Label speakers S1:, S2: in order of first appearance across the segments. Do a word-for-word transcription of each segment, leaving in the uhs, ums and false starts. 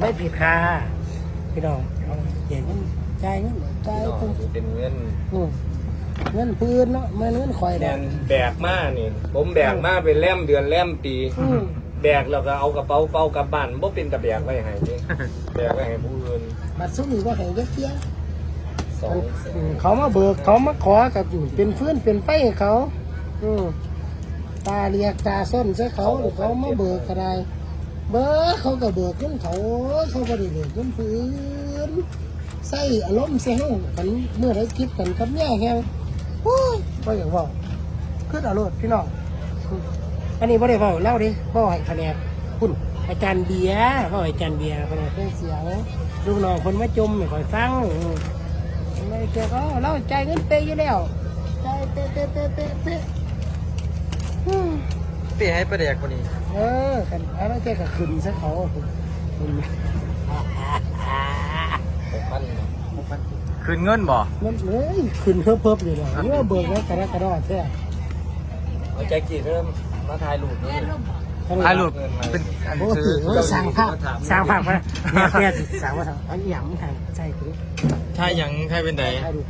S1: ไม่ผิดค่ะพี่น้องเขียนใจเงินใจ
S2: เป็นเงิน
S1: เงินพื้นเนาะไม่เงินคอยแดง
S2: แบกมานี่ผมแบกมาเป็นแล่มเดือนแล่มปีแบกแล้วก็เอากระเป๋าเป้ากลับบ้านบ่เป็นตะแบกไว้ให้นี่แบกไว้ให้ผู้อื่น
S1: มาซุ้มนี่ก็ให้เยอะเที่ยเขามาเบิกเขามาขอกับเป็นฟื้นเป็นไฟให้เขาตาเรียกตาส้นใช่เขาหรือเขามาเบิกอะไรเบิกเขาก็เบิกขึ้นเขาเขาก็ได้เบิกขึ้นพื้นใส่อารมณ์เสียงกันเมื่อไรคิดกันกับแย่แฮงโอ้ยก็อย่างว่าขึ้นอารมณ์พี่น้องอันนี้บ่ได้เบาเล่าดิบ่ให้คะแนนคุณอาจารย์เบียร์บ่อาจารย์เบียร์เป็นเพื่อนเสียงลูกน้องคนมาจมไม่ค่อยฟังไม่เกี่ยวก็เล่าใจเงินเปย์อยู่แล้วใจเตะเตะเตะเตะเตะ
S3: เปย์ให้ประเดี๋ยวคนนี้
S1: เออกันอะไรแกก็ขึ้นซะเขาคุณ
S3: คืนเงินบ่
S1: เงินเลยขึ้นเพิ่มเพิ่มอยู่เลยนี่ว่าเบิกแล้วกระดกกระดอแท้
S2: เอาใจกี่เริ่มมาถ่ายรูปนี่
S3: ถ่ายรูปเป็นอันซื้อ
S1: สร้างภาพสร้างภาพมาแค่สร้างว่าอันหยำทางใช่คือ
S3: ถ่ายยังถ่ายเป็นไหน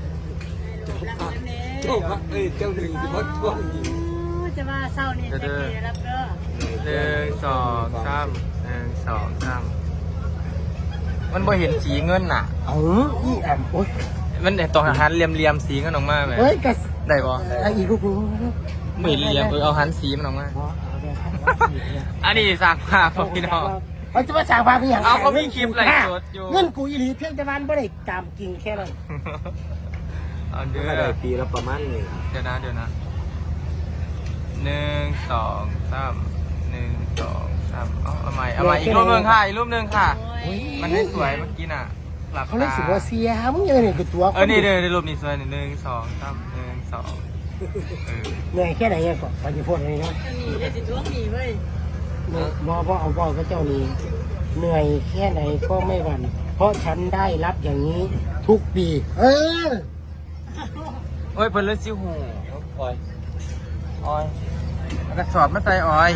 S2: เจ้าพักเอ้ยเจ้าหนึ่งที่พัดท่วงยิง
S4: จะมาเศร้านี่จะกี่รับเด้อ
S3: หนึ่งสองสามหนึ่งสองสามมันบ่เห็นสีเงินน่ะ
S1: เอออีแอมโอ๊ย
S3: มันแต่ต้องหันเหลี่ยมๆสีเงินออกมาไหม
S1: เฮ้ยกั
S3: ได้บ่
S1: ไอ้อีกูกู
S3: ไม่เหลี่ยมเออเอาหันสีมันออกมาอันนี้สั่งภาพพี่น้อง
S1: เขาจะมาสั่งภาพอย่าง
S3: เอาก็มีคลิปอะไรสดอยู่
S1: เงินกูอีหลีเพียงแต่วันบ่ได้ตามจริงแค่นั้น
S3: เอาเดื
S2: อนได้ปีละประมาณนี้
S3: เดี๋ยวนะเดี๋ยวนะหนึ่งสองสามหนึ่งสองสามเอาเอาใหม่เอาใหม่อีกรูปหนึ่งค่ะอีกรูปหนึ่งค่ะมันไม่สวยเมื่อกี้น่ะหลับตา
S1: เขาเล่นสิว่าเสียมึงยังเห็นกับตัว
S3: เออนี่เดี๋ยวรูปนี้สวยหนึ่งสองสามหนึ่งสอง
S1: เหนื่อยแค่ไหนเนี่ยก่อนไปจะพูดอะไรนะ
S4: เดี๋ยวจะท้วงหนีเว้ย
S1: บอพ่อเอาพ่อก็เจ้านี้เหนื่อยแค่ไหนก็ไม่หวั่นเพราะฉันได้รับอย่างนี้ทุกปีเออ
S3: โอ้ยเพิ่นเลือดซิวหูอ้อยอ้อยกระสอบมาใส่อ้อย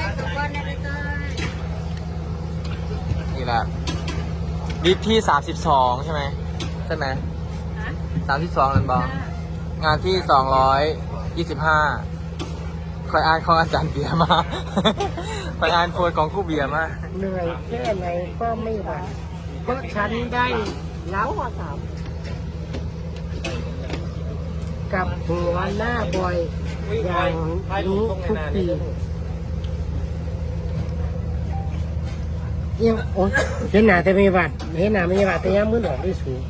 S3: นี่แหละดิฟที่สามสิบสองใช่ไหมใช่ไหมสามสิบสองนั่นบองานที่สองร้อยยี่สิบห้าคอยอ่านของอาจารย์เบียร์มาคอยอ่านโพยของคู่เบียร์มา
S1: เหนื่อยแค่ไหนก็ไม่หวั่นเพราะฉันได้แล้วว่าสามกับหัวหน้าบอยอย่างนี้ทุกปียังโอ้เห็นหน้าแต่ไม่หวัดเห็นหน้าไม่หวัดแต่ยังมือหนอกด้วยสูง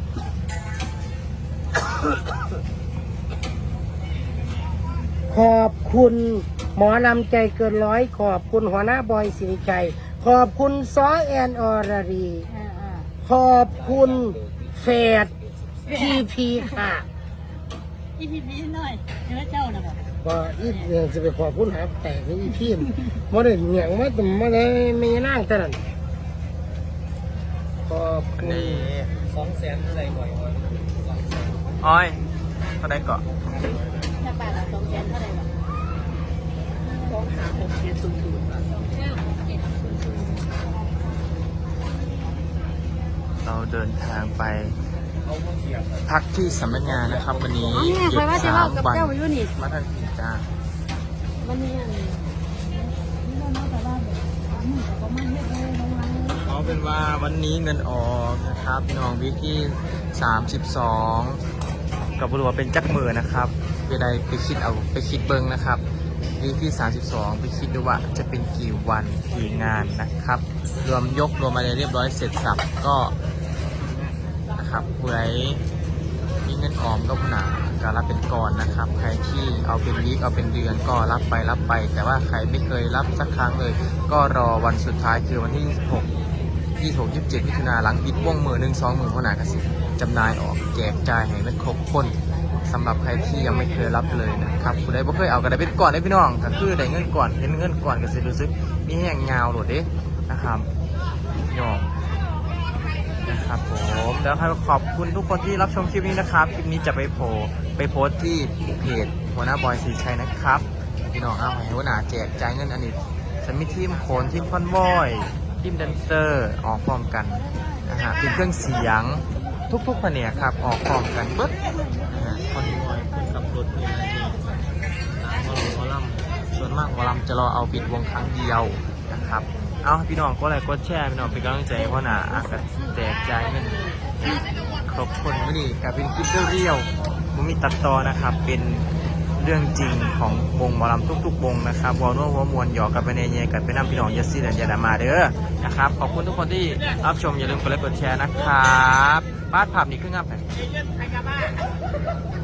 S1: ขอบคุณหมอลำใจเกินร้อยขอบคุณหัวหน้าบอยสิริชัยขอบคุณซอแอนอรรีขอบคุณเฟดพีพีค่ะ
S4: อีพีพีหน่อยเจ้าเจ้านะบอก
S1: ว่าอีเนี่ยจะไปขอบคุณหาแต่อีพีมมาได้เหนียงมาแต่มาได้ไม่นั่งแต่นั้นขอบคุณ
S2: สองแสนเท่าไรบ่อย
S3: อ้อยเท่าไรเกาะ
S4: ถ้าบาทละสองแสนเท่าไรวะสองสามหกเจ็ดศูนย์ศูนย์สองเก้าเจ็ดศูนย์ศูนย์
S3: เราเดินทางไปพักที่สำนักงานนะครับวันนี้
S4: หยุดสามวัน
S3: มาทันทีจ้า
S4: วันนี้
S3: เอาเป็นว่าวันนี้เงินออกนะครับพี่น้องวิกที่สามสิบสองกับบริวารเป็นจักมือนะครับเวลาไปคิดเอาไปคิดเบิ้งนะครับวิกที่สามสิบสองไปคิดดูว่าจะเป็นกี่วันกี่งานนะครับรวมยกรวมอะไรเรียบร้อยเสร็จสับก็ครับผู้ใดมีเงินออมก็หนาการรับเป็นก่อนนะครับใครที่เอาเป็นวีคเอาเป็นเดือนก็รับไปรับไปแต่ว่าใครไม่เคยรับสักครั้งเลยก็รอวันสุดท้ายคือวันที่ยี่สิบหก ยี่สิบหก ยี่สิบเจ็ดมิถุนาหลังปิดวงมือหนึ่งสองหมื่นขนาดกระสิจำหน่ายออกแจกจ่ายให้มันครบคนสำหรับใครที่ยังไม่เคยรับเลยนะครับผู้ใดไม่เคยเอาก็ได้เป็นก่อนได้พี่น้องก็คือได้เงินก่อนเห็นเงินก่อนก็จะรู้สึกมีแห้งเงาโหลดเด้นะครับยอมนะครับผมแล้วขอบคุณทุกคนที่รับชมคลิปนี้นะครับคลิปนี้จะไปโพไปโพสที่เพจหัวหน้าบอยสีชัยนะครับพี่น้องเอาให้หัวหน้าแจกจ่ายเงินอันนี้ฉันมีทีมโขนทีมคอนวอยทีมแดนเซอร์ออกพร้อมกันนะฮะเป็นเครื่องเสียงทุกๆแผนกครับออกพร้อมกันเบิดนะฮะคอนวอยคนขับรถนี่นะนี่หมอลำหมอลำส่วนมากหมอลำจะรอเอาปิดวงครั้งเดียวนะครับเอาพี่น้องก็ไลค์กดแชร์พี่น้องเป็นกำลังใจเพราะหนาอากาศแตกใจายเงินครบคนไม่ดีกับเป็นคลิปเรียวๆมันมีตัดต่อนะครับเป็นเรื่องจริงของวงหมอลำทุกๆวงนะครับวอลโน่วอมวนหยอกกับไปเนเยกันไปนั่งพี่น้องยัสซี่และยาดามาเด้อนะครับขอบคุณทุกคนที่รับชมอย่าลืมกดไลค์กดแชร์นะครับบ้านภาพนี้ขึ้นงับไหน